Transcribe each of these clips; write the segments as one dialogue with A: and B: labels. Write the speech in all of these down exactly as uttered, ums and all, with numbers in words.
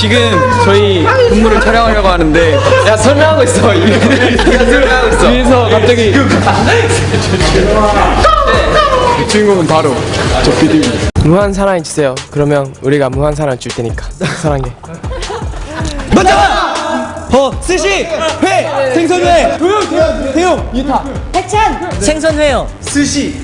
A: 지금 저희 군무를 촬영하려고 하는데 야 설명하고 있어. 네가 설명하고 있어. 위에서 갑자기 그 주인공은 바로 저 비디입니다.
B: 무한 사랑해 주세요. 그러면 우리가 무한 사랑 줄 테니까 사랑해.
C: 먼저 어 스시 회 생선회 도영 대용 대용 유타
D: 해찬
C: 생선회요 스시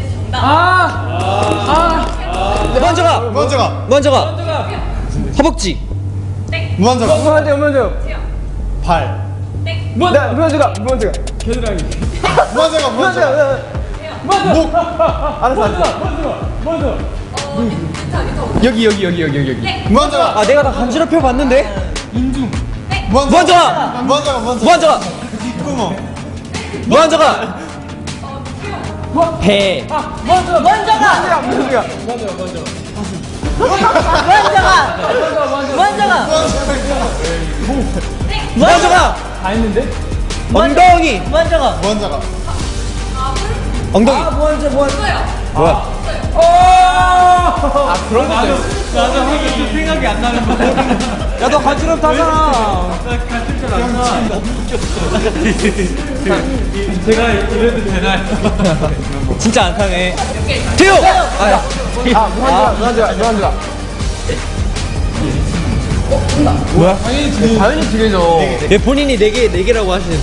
C: 아아 먼저가
E: 먼저가
C: 먼저가 허벅지
E: 먼저가
B: 무한대요 무한대요.
E: 발
B: 무한대가 무한대가 겨드랑이.
E: 먼저가 먼저가 목
B: 알았어 알았어. 여기 여기 여기 여기 여기.
E: 먼저가
C: 아 내가 다 간지럽혀 봤는데
E: 먼저가 먼저가 먼저
C: 먼저가
E: 뒷구멍
C: 먼저가 배
D: 먼저가
B: 무한대가.
D: 먼저가 먼저가
C: 먼저가
B: 다 했는데?
C: 엉덩이
D: 먼저가
E: 먼저가
C: 엉덩이
D: 먼저 먼저
C: 뭐야
B: 아 그런 거 있어요.
C: 야 너 간지럽다잖아
A: 제가 이래도 되나요?
C: 진짜 안 타네 태용 아,
B: 아 무한대가 무한대가 무한대가.
C: 뭐야
B: 당연히 두 개죠.
C: 예, 본인이 네 개 네 개라고 하시는데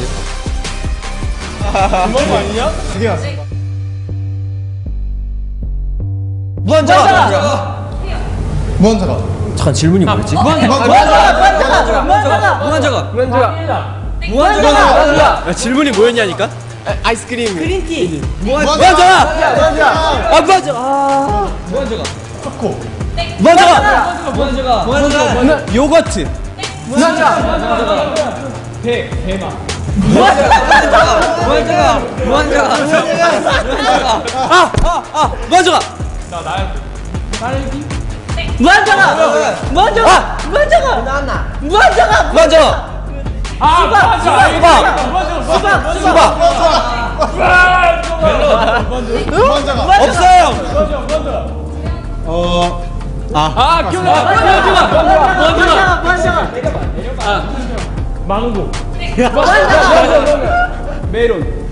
E: 주먹 아니냐? 두개 왔어
C: 무한저가
E: 먼저가
C: 잠깐 질문이 뭐였지?
E: 먼저가
D: 먼저가 먼저가
C: 무한저가
B: 무한대가.
D: 먼저가
C: 야, 질문이 뭐였냐니까?
B: 아이스크림.
D: 그린티
C: 무한저가
B: 무한대가.
C: 아 무한저 아 무한저가
E: 초코
C: 무한저가 무한저가 무한저가 요거트
B: 무한대가.
C: 무한저가 무한저가 아아아 무한저가
D: 먼저가 먼저가 먼저가 먼저가
C: 무한저가
D: 수박 수박
C: 수박
D: 수박
C: 수박
E: 먼저가
C: 없어요
B: 아 기억나.
D: 먼저가 먼저가
B: 메론.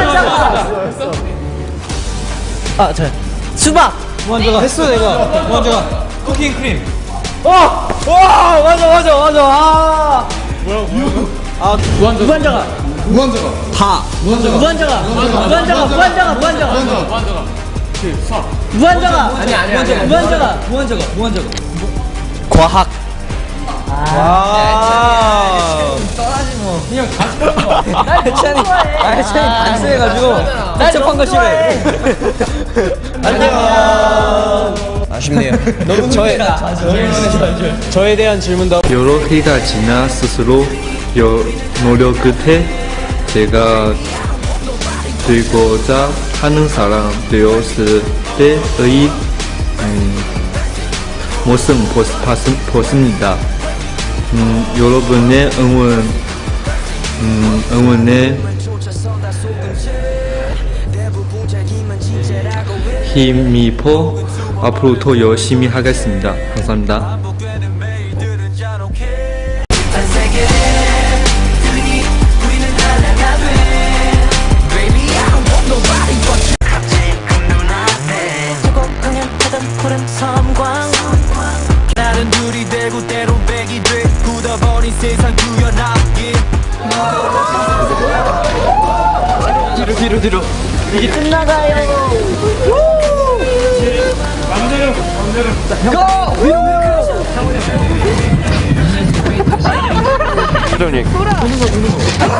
C: 아 자 수박 무한저가 했어 내가 무한저가 쿠킹 크림 와 맞아 맞아 맞아 아
D: 무한저가
E: 먼저가
C: 다
D: 무한저가 무한저가 무한저가 무한저가 무한저가
B: 아니 아니 아니.
D: 무한저가
C: 무한저가 무한저가 과학 아 해찬이 아 해찬이 반스해가지고 복잡한 거 싫어해 안녕 아쉽네요 너무 저에 저에 대한 질문도
F: 여러 해가 지나 스스로 여, 노력 끝에 제가 되고자 하는 사람 되었을 때의 음, 모습 보습니다. 음, 여러분의 응원, 음, 응원에 힘입어 앞으로 더 열심히 하겠습니다. 감사합니다.
G: 나는 둘이 되고 때로 백이 돼 굳어버린 세상 구현하기
C: 뒤로 뒤로 뒤로
D: 이게 끝나가요
C: 회장님